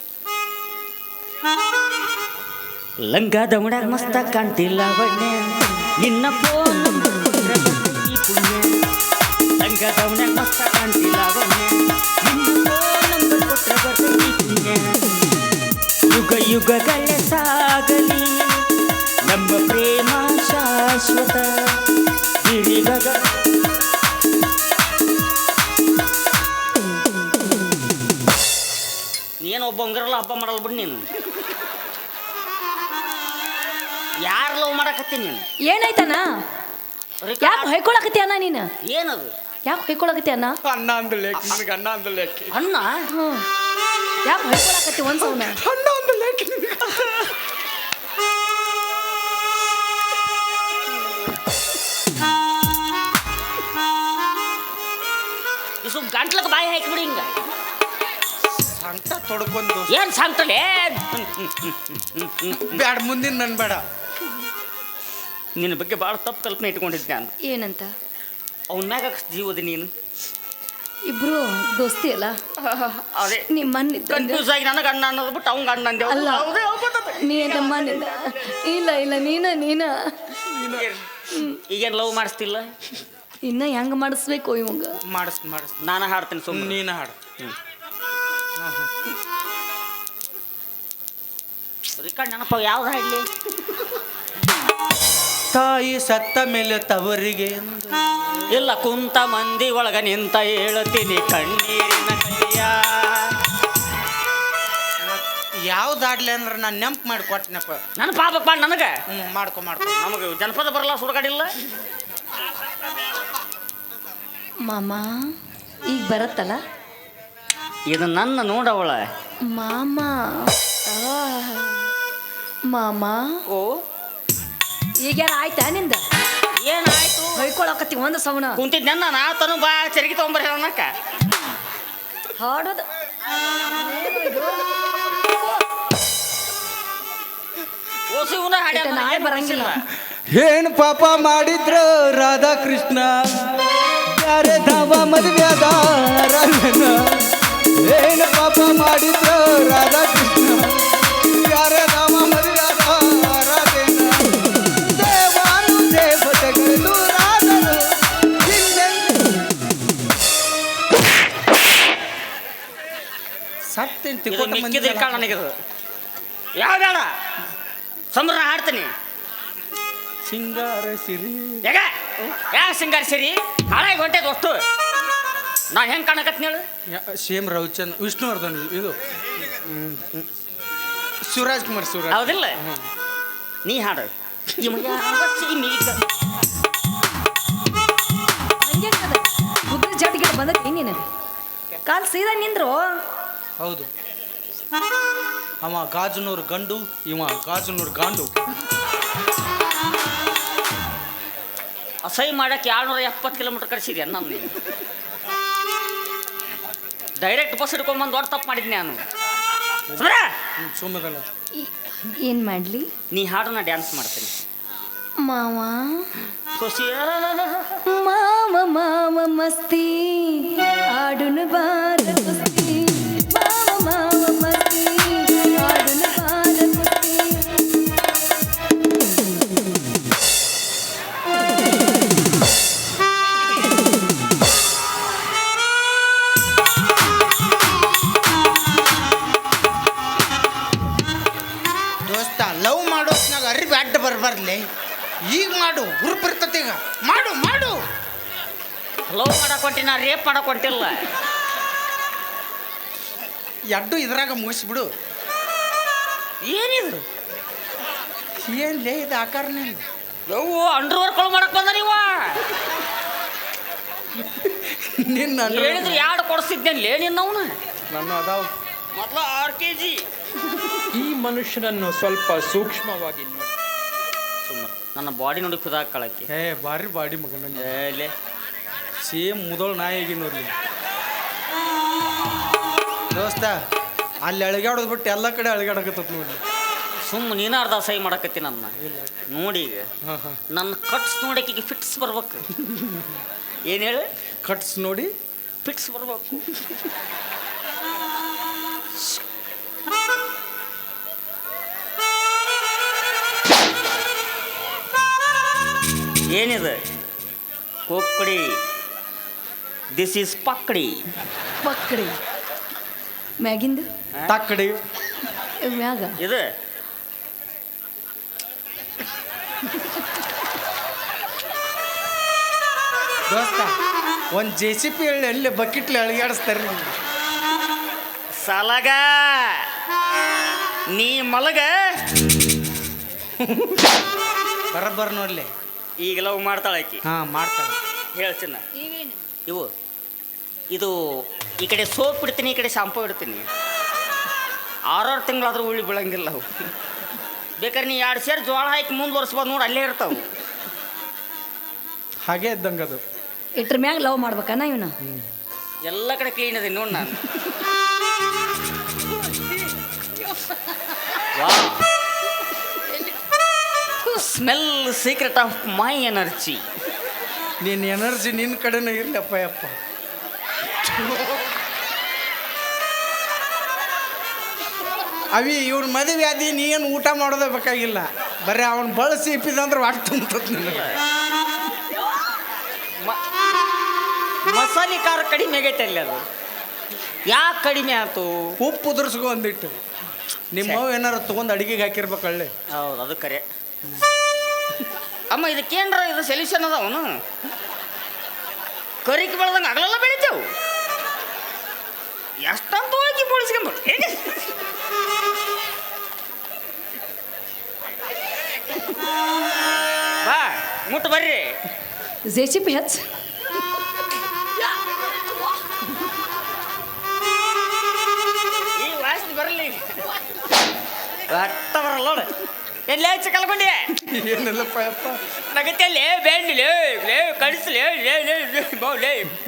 B: ಲಂಗ ದಮಡ್ಯಾಗ ಮಸ್ತ ಕಾಣ್ತಿಲ್ಲ ಬಣ್ಣೆ ನಿನ್ನ ಫೋನ್ ಈ ಪುಣ್ಯ ಲಂಗ ದಮಡ್ಯಾಗ ಮಸ್ತ ಕಾಣ್ತಿಲ್ಲ ಬಣ್ಣೆ ನಿನ್ನ ಫೋನ್ ನಂಬರ್ ಕೊಟ್ರೆ ಬರ್ತೈತಿ ಪುಣ್ಯ ಯುಗ ಯುಗಗಳೇ ಸಾಗಲಿ ನಮ್ಮ ಪ್ರೇಮ ಶಾಶ್ವತ ಸಿರಿಗಗ ನೀನು ಒಬ್ಬ ಹಂಗಿರಲ್ಲ ಹಬ್ಬ ಮಾಡಲ್ಲ ಬಿಡು ನೀನು ಯಾರು ಲವ್ ಮಾಡಕತ್ತಿ ನೀನು
E: ಏನಾಯ್ತಣ್ಣ ಯಾಕೆ ಹೊಯ್ಕೊಳಕತ್ತಿ ಅಣ್ಣ ನೀನು
B: ಏನದು
E: ಯಾಕೆ ಹೊಯ್ಕೊಳಕತ್ತಿ ಅಣ್ಣ
A: ಅಣ್ಣ ಅಂದಲೆ ನಿನಗೆ ಅಣ್ಣ ಅಂದಲೆ
B: ಅಣ್ಣ
E: ಹ್ಞೂ ಯಾಕೆ ಹೊಯ್ಕೊಳಕತ್ತಿ ಒಂದು ಸೌನ
A: ಅಣ್ಣ ಅಂದಲೆ
B: ಇಸು ಗಂಟ್ಲಕ್ಕೆ ಬಾಯಿ ಹಾಕಿಬಿಡಿ ಹಿಂಗ
C: ಸಂಟ ತೊಡ್ಕೊಂಡು
B: ಏನ್ ಸಾಂಗ್ತಲೆ
C: ಬ್ಯಾಡ ಮುಂದಿನ ನನ್ ಬೇಡ.
B: ನಿನ್ನ ಬಗ್ಗೆ ಭಾಳ ತಪ್ಪು ಕಲ್ಪನೆ ಇಟ್ಕೊಂಡಿದ್ದೆ ನಾನು
E: ಏನಂತ
B: ಅವನ ಮ್ಯಾಗ ಜೀವದ ನೀನು
E: ಇಬ್ರು ದೋಸ್ತಿ ಅಲ್ಲ
B: ಅದೇ
E: ನಿಮ್ಮ ಮನೆ
B: ಕನ್ಫ್ಯೂಸ್ ಆಗಿ ನನಗೆ ಅಣ್ಣ ಅನ್ನೋದು ಬಿಟ್ಟು ಅವಂಗ ಅಣ್ಣ ಅಂದೆ
E: ಅಲ್ಲ. ನೀ ನಮ್ಮ ಮನೆ ಇಲ್ಲ ಇಲ್ಲ ನೀನ ನೀನ
B: ಈಗೇನು ಲವ್ ಮಾಡಿಸ್ತಿಲ್ಲ
E: ಇನ್ನ ಹೆಂಗ್ ಮಾಡಿಸ್ಬೇಕು ಇವಂಗ
C: ಮಾಡಿಸ್ ಮಾಡಿಸ್
B: ನಾನು ಹಾಡ್ತೀನಿ ಸುಮ್ಮನೆ
C: ನೀನ ಹಾಡು.
B: ರಿಕಾರ್ಡ್ ನೆನಪ ಯಾವ್ದು ಹಾಡ್ಲಿ
C: ತಾಯಿ ಸತ್ತ ಮೇಲೆ ತವರಿಗೆ ಎಂದು.
B: ಇಲ್ಲ ಕುಂತ ಮಂದಿ ಒಳಗ ನಿಂತ ಹೇಳ್ತೀನಿ ಕಣ್ಣೀರಿನ ಕೈಯ
C: ಯಾವ್ದು ಆಡ್ಲಿ ಅಂದ್ರೆ ನಾನು ನೆಂಪು ಮಾಡಿ ಕೊಟ್ಟನಪ್ಪ.
B: ನನ್ನ ಪಾಪಪ್ಪ ನನಗೆ
C: ಹ್ಞೂ ಮಾಡ್ಕೊ ಮಾಡ್ಕೊ.
B: ನಮಗೆ ಜನಪದ ಬರಲ್ಲ ಸುಡಗಾಡಿಲ್ಲ
E: ಮಾಮ ಈಗ ಬರತ್ತಲ್ಲ
B: ಇದು ನನ್ನ ನೋಡವಳ
E: ಮಾಮ ಆ, ಮಾಮ
B: ಓ
E: ಈಗ್ಯಾರ ಆಯ್ತಾ ನಿಂದ
B: ಏನಾಯ್ತು
E: ಹೊಯ್ಕೊಳಕತ್ತಿ ಒಂದು ಸೌನ
B: ಕುಂತಿದ್ದೆ ನಾ ತನು ಬಾ ಚರಿಗೆ ತೊಗೊಂಬರ್ರಿ ಅನ್ನಕ್ಕ
E: ಹಾಡೋದು
B: ಓಸಿ ಇವನ ಹಾಡ್ಯಾನ
E: ನಾಳೆ
B: ಏನ್
E: ಬರಂಗಿಲ್ಲ.
A: ಏನ್ ಪಾಪ ಮಾಡಿದ್ರು ರಾಧಾಕೃಷ್ಣ ಯಾರೇ ಧಾಮ ಮದುವೆಯಾದ ರಾಧನ ಏನ್ ಪಾಪ ಮಾಡಿದ್ರು ರಾಧಾಕೃಷ್ಣ ಯಾರೇ ಧಾಮ ಮದುವೆಯಾದ ರಾಧೇನ ದೇವಾನು ದೇವತೆಗಳು ದೂರಾದರು
C: ಸತ್ತೇನು
B: ಇದು
C: ತಿಕ್ಕೋತ
B: ಮಿಕ್ಕಿದ ಕಾಳ ನನಗಿದು ಯಾವ ಬೇಡ ಸಂಬ್ರನ ಹಾಡ್ತೀನಿ
A: ಸಿಂಗಾರ ಸಿರಿ
B: ಯಾಗ ಯಾ ಸಿಂಗಾರ ಸಿರಿ ಹಾಳಾಗಿ ಹೊಂಟೈತೆ ಅಷ್ಟು ನಾ ಹೆಂಗೆ ಕಾಣಕತ್ತೀನಿ ಹೇಳು
C: ಸೇಮ್ ರವಿಚಂದ್ ವಿಷ್ಣುವರ್ಧನ್ ಇದು ಹ್ಮ್, ಹ್ಮ್. ಶಿವರಾಜ್ ಕುಮಾರ್ ಶಿವರಾಜ್
B: ಹೌದಿಲ್ಲ ನೀ ಹಾಡು ನಿಮಗೆ
E: ಹಂಗೆ ಕುದುರೆ ಜಾಟಿಗೆ ಬಂದೈತಿ ನೀನು ಕಾಲ್ ಸೀದಾ ನಿಂದ್ರು
C: ಹೌದು. ಅವ ಗಾಜನೂರು ಗಂಡು ಇವ ಗಾಜನೂರು ಗಾಂಡು.
B: ಅಸಹ್ಯ ಮಾಡಕ್ಕೆ ಏಳ್ನೂರ ಎಪ್ಪತ್ತು ಕಿಲೋಮೀಟರ್ ಕಳಿಸಿದ್ಯಾ ನಾನು ನೀನು ಡೈರೆಕ್ಟ್ ಬಸ್ ಹಿಡ್ಕೊಂಬಂದು ದೊಡ್ಡ ತಪ್ಪು ಮಾಡಿದ್ನಿ ನಾನು ಸುಮ್ರ
C: ಸುಮ್ಮದಲ್ಲ
E: ಏನ್ ಮಾಡ್ಲಿ
B: ನೀ ಹಾಡನ್ನ ಡ್ಯಾನ್ಸ್ ಮಾಡ್ತೀನಿ
E: ಮಾವ
B: ಖುಷಿಯ
E: ಮಾವ ಮಾವ ಮಸ್ತಿ ಆಡುನ ಬಾರ ಕುಸ್ತಿ ಮಾವ ಮಾವ ಮಸ್ತಿ ಆಡುನ ಬಾರ ಕುಸ್ತಿ
C: ದೋಸ್ತ ಲವ್ ಮಾಡೋತ್ನಾಗ ಅರಿವಿ ಅಡ್ಡ ಬರ್ಬಾರ್ಲಿ. ಈಗ ಮಾಡು ಗ್ರೂಪ್ ಇರ್ತತಿ ಈಗ ಮಾಡು ಮಾಡು.
B: ಲವ್ ಮಾಡಕ್ ಹೊಂಟಿನ ರೇಪ್ ಮಾಡಕ್ ಹೊಂಟಿಲ್ಲ
C: ಎಡ್ಡು ಇದ್ರಾಗ ಮುಗಿಸ್ಬಿಡು.
B: ಏನಿದು
C: ಏನ್ಲೇ ಇದು ಆಕಾರನೇ
B: ಯವ್ವ ಅಂಡರ್ ವರ್ಕ್ ಮಾಡಕ್ ಬಂದ ನೀವ
C: ನಿನ್ನ
B: ಹೇಳಿದ್ರೆ ಯಾರು ಕೊಡಿಸ್ತಿದ್ದೇನೆ ನಿನ್ನವನ
A: ನನ್ನ ಅದಾವ.
B: ಮೊದಲು ಆರು ಕೆ ಜಿ
F: ಈ ಮನುಷ್ಯನನ್ನು ಸ್ವಲ್ಪ ಸೂಕ್ಷ್ಮವಾಗಿ ನೋಡಿ.
B: ಸುಮ್ಮನೆ ನನ್ನ ಬಾಡಿ ನೋಡಿ ಕುದಾಕಳಕ್ಕೆ
C: ಏ ಬಾರಿ ಬಾಡಿ ಮಗನ
B: ಏಲೆ
C: ಸೇಮ್ ಮುದೋಳು ನಾಯಿಗೆ ನೋಡ್ಲಿ ದೋಸ್ತ ಅಲ್ಲಿ ಅಳಿಗಾಡೋದು ಬಿಟ್ಟು ಎಲ್ಲ ಕಡೆ ಅಳಿಗಾಡಕತ್ತ ನೋಡಿ.
B: ಸುಮ್ಮ ನೀನು ಅರ್ಧ ಸಹಿ ಮಾಡಕತ್ತಿ ನನ್ನ ನೋಡಿ ಈಗ
C: ಹಾಂ ಹಾಂ
B: ನನ್ನ ಕಟ್ಸ್ ನೋಡಕ್ಕೆ ಫಿಟ್ಸ್ ಬರ್ಬೇಕು ಏನು ಹೇಳು
C: ಕಟ್ಸ್ ನೋಡಿ
B: ಫಿಟ್ಸ್ ಬರ್ಬೇಕು ಏನಿದೆ ಕೊಕ್ಕಡಿ ದಿಸ್ ಈಸ್ ಪಕ್ಕಡಿ
E: ಪಕ್ಕಡಿ ಮ್ಯಾಗಿಂದು
C: ತಕ್ಕಡಿ
E: ಮ್ಯಾಗ
B: ಇದು
C: ದೋಸ್ತ ಒಂದು ಜೆ ಸಿ ಪಿ ಹೇಳಿ ಅಲ್ಲಿ ಬಕೆಟ್ಲಿ ಅಳಿಗಾಡಿಸ್ತಾರೆ
B: ಸಲಗ ನೀ ಮಲಗ
C: ಬರಬ್ಬರ ನೋಡ್ಲಿ
B: ಈಗ ಲವ್ ಮಾಡ್ತಾಳೆ ಆಕಿ
C: ಹಾಂ ಮಾಡ್ತಾಳೆ
B: ಹೇಳ್ತೀನ ಇವು ಇದು ಈ ಕಡೆ ಸೋಪ್ ಇಡ್ತೀನಿ ಈ ಕಡೆ ಶಾಂಪೂ ಇಡ್ತೀನಿ ಆರಾರು ತಿಂಗಳಾದ್ರೂ ಉಳ್ಳಿ ಬೀಳಂಗಿಲ್ಲ ಅವು ಬೇಕಾದ್ರೆ ನೀ ಎರಡು ಸೇರಿ ಜೋಳ ಹಾಕಿ ಮುಂದುವರ್ಸ್ಬೋದು ನೋಡಿ ಅಲ್ಲೇ ಇರ್ತಾವೆ
C: ಹಾಗೆ ಇದ್ದಂಗೆ ಅದು
E: ಇಟ್ರ ಮ್ಯಾಗ ಲವ್ ಮಾಡ್ಬೇಕನ್ನ ಇವನು
B: ಎಲ್ಲ ಕಡೆ ಕ್ಲೀನ್ ಅದೇ ನೋಡಿ ನಾನು smell secret of my energy.
C: ನಿನ್ನ ಎನರ್ಜಿ ನಿನ್ನ ಕಡೆನೇ ಇರ್ಲಪ್ಪ ಯಪ್ಪ. ಅವಿ ಇವ್ನ ಮದುವೆ ಆದಿ ನೀ ಏನು ಊಟ ಮಾಡೋದೇ ಬೇಕಾಗಿಲ್ಲ, ಬರೀ ಅವನು ಬಳಸಿ ಇಪ್ಪಿದಂದ್ರೆ ವಾಟ್ ತುಂಬತದ ನಿನಗೆ.
B: ಮಸಾಲೆ ಖಾರ ಕಡಿಮೆ ಆಗೈತೆ ಅಲ್ಲಿ. ಅದು ಯಾಕೆ ಕಡಿಮೆ ಆಯ್ತು?
C: ಉಪ್ಪು ಉದುರ್ಸ್ಕೊ ಒಂದಿಟ್ಟು. ನಿಮ್ಮವ್ ಏನಾರು ತೊಗೊಂಡು ಅಡಿಗೆಗೆ ಹಾಕಿರ್ಬೇಕಳ್ಳಿ.
B: ಹೌದು, ಅದು ಕರೆ. ಅಮ್ಮ ಇದಕ್ಕೇನ್ರ ಇದು ಸೊಲ್ಯೂಷನ್ ಅದ. ಅವನು ಕರಿಕೆ ಬೆಳೆದಂಗೆ ಆಗಲೆಲ್ಲ ಬೆಳಿತೇವು. ಎಷ್ಟಂತ ಹೋಗಿ ಬೋಳಿಸ್ಕೊಂಬ ಬಾ ಮುಟ್ಟು ಬರ್ರಿ.
E: ಜೆ ಸಿ ಪಿ ಹಚ್
B: ಈ ವಾಸನೆ ಬರಲಿ. ರಕ್ತ ಬರಲ್ಲ ನೋಡು. ಎಲ್ಲೇ ಹೆಚ್ಚು ಕಲ್ಕೊಂಡೆ
C: ಏನಿಲ್ಲಪ್ಪ ಯಪ್ಪ.
B: ನಗತ್ತಲ್ಲೇ ಬೇಂಡಿಲೇ ಲೇ ಕಡಿಸ್ಲೇ ಲೇ ಲೇ ಲೇ ಬೌಲೇ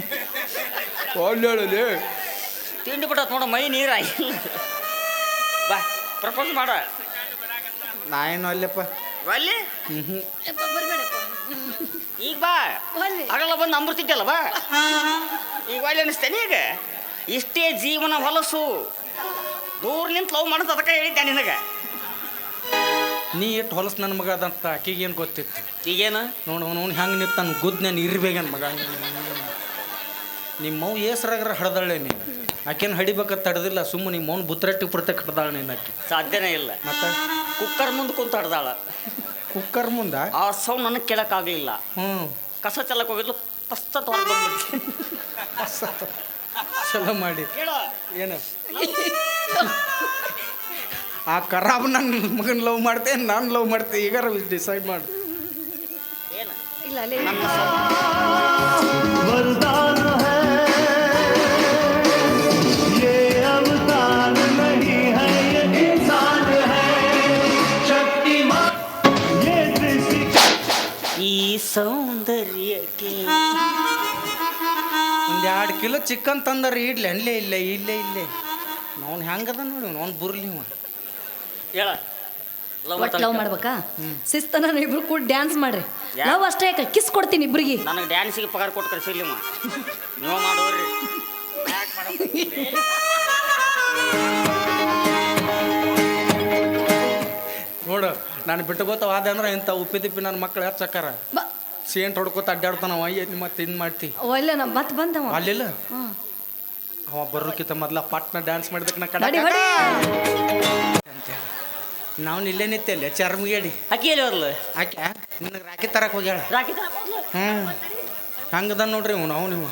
C: ಒಳ್ಳೆ
B: ತಿಂಡಿ ಬಿಟ್ಟತ್ ನೋಡ, ಮೈ ನೀರಾಗಿಲ್ಲ. ಬಾ ಪ್ರಪೋಸ್ ಮಾಡ.
C: ನಾ ಏನು ಅಲ್ಲಪ್ಪ
B: ಅಲ್ಲಿ
C: ಹ್ಞೂ
B: ಈಗ ಬಾ. ಆಗಲ್ಲ ಬಂದು ಅಂಬರ್ತಿದ್ದಲ್ಲ ಬಾ. ಈಗ ಒಳ್ಳೆ ಅನಿಸ್ತೇನೆ. ಈಗ ಇಷ್ಟೇ ಜೀವನ ಹೊಲಸು. ದೂರ ನಿಂತು ಲವ್ ಮಾಡೋದು ಅದಕ್ಕೆ ಹೇಳಿದ್ದೆ ನಿನಗೆ.
C: ನೀ ಎಷ್ಟು ಹೊಲಸು ನನ್ನ ಮಗ ಅದಂತ ಆಕಿಗೆ ಏನು ಗೊತ್ತಿತ್ತು?
B: ಈಗೇನು
C: ನೋಡು ಅವ್ನು ಹೆಂಗೆ ನಿಂತು ನನ್ನ ಗುದ್ದು ನಾನು ಇರ್ಬೇಕನ್ ಮಗ. ನಿಮ್ಮ ಮೌ ಏಸರಾಗ್ರ ಹಡ್ದಾಳೆ ನೀನು. ಆಕೆನ ಹಡಿಬೇಕಂತ ತಡೆದಿಲ್ಲ, ಸುಮ್ಮನೆ ನಿಮ್ಮ ಮೌನ ಬುತ್ತರಟ್ಟಿ ಪುರ್ತಕ್ಕೆ ಹಿಡ್ದಾಳೆ ನೀನು. ಆಕೆ
B: ಸಾಧ್ಯನೇ ಇಲ್ಲ.
C: ಮತ್ತೆ
B: ಕುಕ್ಕರ್ ಮುಂದೆ ಕುಂತು ಹಡ್ದಾಳ.
C: ಕುಕ್ಕರ್ ಮುಂದೆ
B: ಆ ಸೌಂಡ್ ನನಗೆ ಕೇಳೋಕ್ಕಾಗಲಿಲ್ಲ.
C: ಹ್ಞೂ
B: ಕಸ ಚೆಲ್ಲಕ್ಕೆ ಹೋಗಿದ್ಲು, ಪಸ್ತತ್ ಹೊರಗೆ ಬಂದ್ಬಿಟ್ಟು
C: ಚಲೋ ಮಾಡಿ
B: ಕೇಳೋ
C: ಏನು ಆ ಖರಾಬ್ ನನ್ನ ಮಗನ ಲವ್ ಮಾಡ್ತೆ, ನಾನು ಲವ್ ಮಾಡ್ತೆ. ಈಗಾರ ಡಿಸೈಡ್ ಮಾಡು.
B: ಏನು
E: ಇಲ್ಲ ಅಲ್ಲೇ
B: ಈ ಸೌಂದರ್ಯಕ್ಕೆ
C: ಒಂದು ಎರಡು ಕಿಲೋ ಚಿಕನ್ ತಂದಾರ ಇಡ್ಲಿ ಅಲ್ಲೇ ಇಲ್ಲೇ ಇಲ್ಲೇ ಇಲ್ಲೇ ಅವ್ನು ಹೆಂಗದ ನೋಡಿ ಅವ್ನು ಬುರ್ಲಿ ಇವ.
B: ಹೇಳ
E: ಒಟ್ಟು ಲವ್ ಮಾಡ್ಬೇಕಾ? ಶಿಸ್ತನ ಇಬ್ರು ಕೂಡ ಡ್ಯಾನ್ಸ್ ಮಾಡ್ರಿ.
B: ಯಾ-
E: ಲವ್ ಅಷ್ಟೇ ಯಾಕೆ ಕಿಸ್ ಕೊಡ್ತೀನಿ ಇಬ್ರಿಗೆ.
B: ನನಗೆ ಡ್ಯಾನ್ಸಿಗೆ ಪಗಾರ ಕೊಟ್ಟು ಕಳಿಸಿಲ್ಲ ನೀವು ಮಾಡೋರಿ.
C: ನೋಡು ನಾನು ಬಿಟ್ಟು ಗೊತ್ತವಾದ ಅಂದ್ರೆ ಇಂಥ ಉಪ್ಪಿ ತಿಪ್ಪಿ ನನ್ನ ಮಕ್ಳು ಹೆಚ್ಚಕ್ಕಾರ
E: ಬಾ
C: ಸೇಂಟ್ ಹೊಡ್ಕೋತ ಅಡ್ಡಾಡ್ತಾನ. ಅಯ್ಯ ಮತ್ತೆ ಇನ್ನು ಮಾಡ್ತಿ
E: ಒಳ್ಳೆ ನಾ ಮತ್ತೆ ಬಂದವ
C: ಅಲ್ಲಿಲ್ಲ
E: ಹ್ಮ್.
C: ಅವ ಬರೋಕ್ಕಿಂತ ಮೊದ್ಲ ಪಟ್ನ ಡ್ಯಾನ್ಸ್ ಮಾಡಿದಕ್ಕೆ ನಾ ಕಡ
E: ಹೊಡಿ ಹೊಡಿ
C: ಅಂತೇಳಿ ನಾವು ಇಲ್ಲೇ ನಿತ್ತಲ್ಲ ಚರ್ಮಗೇಡಿ
B: ಅಕ್ಕಿ ಎಲ್ಲಿ ಹೋದ್ಲು?
C: ಆಕೆ ನಿನಗೆ ರಾಕಿ ತರಕ್ಕೆ ಹೋಗ್ಯಾಳ.
B: ರಾಕಿ ತರಕ್ ಹೋದ್ಲು?
C: ಹ್ಞೂ ಹಂಗದ ನೋಡ್ರಿ ಇವ್ ನಾವು ನೀವು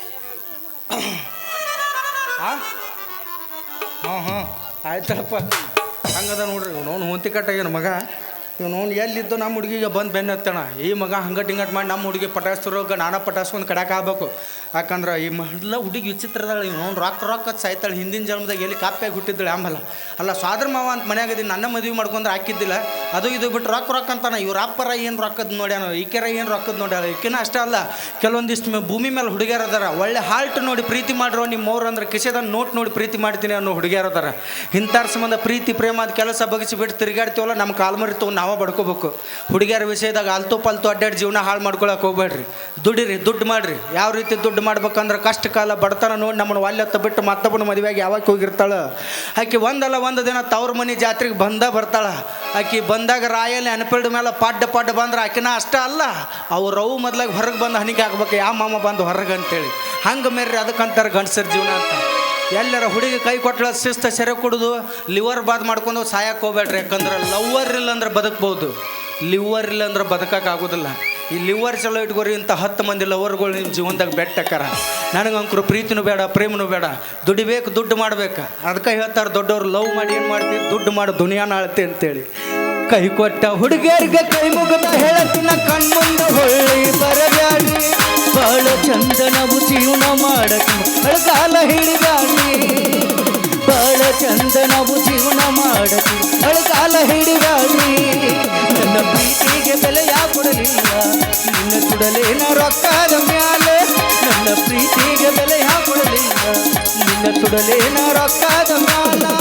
C: ಹಾಂ ಹಾಂ ಹಾಂ ಆಯ್ತಪ್ಪ. ಹಂಗದ ನೋಡ್ರಿ ಇವ್ ನೋನು ಹೊಂತಿ ಕಟ್ಟಾಗ್ಯಾನ ಮಗ. ಇವ್ ನೋನು ಎಲ್ಲಿದ್ದು ನಮ್ಮ ಹುಡುಗಿಗೆ ಬಂದು ಬೆನ್ನ ಹತ್ತಣ. ಈ ಮಗ ಹಂಗಟ್ ಹಿಂಗಟ್ ಮಾಡಿ ನಮ್ಮ ಹುಡುಗಿ ಪಟಾಯಿಸ್ತಿರೋಗ ನಾನಾ ಪಟಾಯಿಸ್ಕೊಂಡು ಕಡಕ್ಕೆ ಆಗ್ಬೇಕು. ಯಾಕಂದ್ರೆ ಈ ಮೊದಲ ಹುಡುಗಿ ವಿಚಿತ್ರದಾಳೆ. ಇವ್ ನೋನು ರೊಕ್ಕ ರೊಕ್ಕ ಸಾಯ್ತಾಳೆ. ಹಿಂದಿನ ಜನ್ಮದಾಗ ಎಲ್ಲಿ ಕಾಪಿಯಾಗಿ ಹುಟ್ಟಿದ್ದಾಳೆ ಆಮೇಲೆ. ಅಲ್ಲ ಸ್ವಾದ್ರ ಮಾವ ಅಂತ ಮನ್ಯಾಗದೀನಿ, ನನ್ನ ಮದುವೆ ಮಾಡ್ಕೊಂಡ್ರೆ ಹಾಕಿದ್ದಿಲ್ಲ. ಅದು ಇದು ಬಿಟ್ಟು ರೊಕ್ಕ ರೊಕ್ಕ ಅಂತಾನೆ. ಇವ್ರ ಅಪ್ಪರ ಏನು ರೊಕ್ಕದ ನೋಡ್ಯಾನ, ಈಕೆರ ಏನು ರೊಕ್ಕದ ನೋಡ್ಯಾಳ. ಈಕಿನ ಅಷ್ಟೇ ಅಲ್ಲ, ಕೆಲವೊಂದಿಷ್ಟು ಮೇ ಭೂಮಿ ಮೇಲೆ ಹುಡುಗಿಯರು ಅದಾರ. ಒಳ್ಳೆ ಹಾಲ್ಟ್ ನೋಡಿ ಪ್ರೀತಿ ಮಾಡಿರೋ ನಿಮ್ಮ ಅವ್ರು ಅಂದ್ರೆ ಕಿಸೆದ ನೋಟ್ ನೋಡಿ ಪ್ರೀತಿ ಮಾಡ್ತೀನಿ ಅನ್ನೋ ಹುಡುಗಿಯರು ಅದಾರ. ಇಂಥರ ಸಂಬಂಧ ಪ್ರೀತಿ ಪ್ರೇಮ ಅದು ಕೆಲಸ ಬಗ್ಗಿಸಿ ಬಿಟ್ಟು ತಿರುಗಾಡ್ತೀವಲ್ಲ, ನಮ್ಮ ಕಾಲ್ಮರಿ ತೊಗೊಂಡು ನಾವೇ ಬಡ್ಕೋಬೇಕು. ಹುಡುಗಿಯರ ವಿಷಯದಾಗ ಅಲ್ತು ಪಲ್ತು ಅಡ್ಡಾಡಿ ಜೀವನ ಹಾಳು ಮಾಡ್ಕೊಳಕ್ಕೆ ಹೋಗ್ಬೇಡ್ರಿ. ದುಡಿರಿ, ದುಡ್ಡು ಮಾಡಿರಿ. ಯಾವ ರೀತಿ ದುಡ್ಡು ಮಾಡ್ಬೇಕಂದ್ರೆ ಕಷ್ಟ ಕಾಲ ಬಡತನ ನೋಡಿ ನಮ್ಮನ್ನು ಒಲ್ಲೆತ್ತ ಬಿಟ್ಟು ಮತ್ತೊಬ್ಬನ ಮದುವೆಗೆ ಯಾವಾಗ ಹೋಗಿರ್ತಾಳೆ ಆಕೆ. ಒಂದಲ್ಲ ಒಂದು ದಿನ ತವ್ರ ಮನೆ ಜಾತ್ರೆಗೆ ಬಂದ ಬರ್ತಾಳೆ ಆಕೆ. ಬಂದಾಗ ರಾಯಲ್ಲಿ ಅನ್ಪಿಲ್ಡ್ ಮೇಲೆ ಪಾಡ್ಡ ಪಾಡ್ಡ ಬಂದ್ರೆ ಆಕಿನ ಅಷ್ಟೇ ಅಲ್ಲ, ಅವ್ರು ಅವು ಮೊದ್ಲಾಗ ಹೊರಗೆ ಬಂದು ಹನಿಗೆ ಹಾಕ್ಬೇಕು. ಯಾವ ಮಾಮ ಬಂದು ಹೊರಗೆ ಅಂತೇಳಿ ಹಂಗೆ ಮೇರ್ರಿ. ಅದಕ್ಕಂತಾರೆ ಗಂಡಸರ ಜೀವನ ಅಂತ. ಎಲ್ಲರ ಹುಡುಗಿ ಕೈ ಕೊಟ್ಟಳ ಶಿಸ್ತ ಸೆರೆ ಕುಡಿದು ಲಿವರ್ ಬಾದ್ ಮಾಡ್ಕೊಂಡು ಸಾಯಕ್ಕೆ ಹೋಗ್ಬೇಡ್ರಿ. ಯಾಕಂದ್ರೆ ಲವ್ವರ್ ಇಲ್ಲ ಅಂದ್ರೆ ಬದುಕ್ಬೋದು, ಲಿವರ್ ಇಲ್ಲ ಅಂದ್ರೆ ಬದುಕಕ್ಕೆ ಆಗೋದಿಲ್ಲ. ಈ ಲಿವರ್ ಚಲೋ ಇಟ್ಕೋರಿ ಇಂಥ ಹತ್ತು ಮಂದಿ ಲವರ್ಗಳು ನಿಮ್ಮ ಜೀವನದಾಗ ಬೆಟ್ಟಕ್ಕಾರ ನನಗೆ ಅಂಕರು ಪ್ರೀತಿನೂ ಬೇಡ ಪ್ರೇಮನೂ ಬೇಡ ದುಡಿಬೇಕು ದುಡ್ಡು ಮಾಡ್ಬೇಕು ಅದಕ್ಕೆ ಹೇಳ್ತಾರೆ ದೊಡ್ಡವ್ರು ಲವ್ ಮಾಡಿ ಏನು ಮಾಡ್ತೀವಿ ದುಡ್ಡು ಮಾಡಿ ದುನಿಯಾನ ಆಳ್ತಿ ಅಂತೇಳಿ ಕೈ ಕೊಟ್ಟ ಹುಡುಗಿಯರಿಗೆ ಕೈ ಮುಗಿದ ಹೇಳತ್ತಿನ ಕಣ್ಮುಂದ ಹೊಳ್ಳಿ ಬರಬ್ಯಾಡಿ ಬಾಳ ಚಂದ ನಾವು ಜೀವನ ಮಾಡಕ್ಕೆ ಅಳಗಾಲ ಹಿಡಿದಾಡಿ ಬಾಳ ಚಂದ ನಾವು ಜೀವನ ಮಾಡಕ್ಕೆ ಅಳಗಾಲ ಹಿಡಿದಾಡಿ ನನ್ನ ಪ್ರೀತಿಗೆ ಬೆಲೆ ಯಾ ಕೊಡಲಿಲ್ಲ ನಿನ್ನ ಸುಡಲೇನ ರೊಕ್ಕದ ಮ್ಯಾಲೆ ನನ್ನ ಪ್ರೀತಿಗೆ ಬೆಲೆ ಯಾ ಕೊಡಲಿಲ್ಲ ನಿನ್ನ ಸುಡಲೇನ ರೊಕ್ಕದ ಮ್ಯಾಲ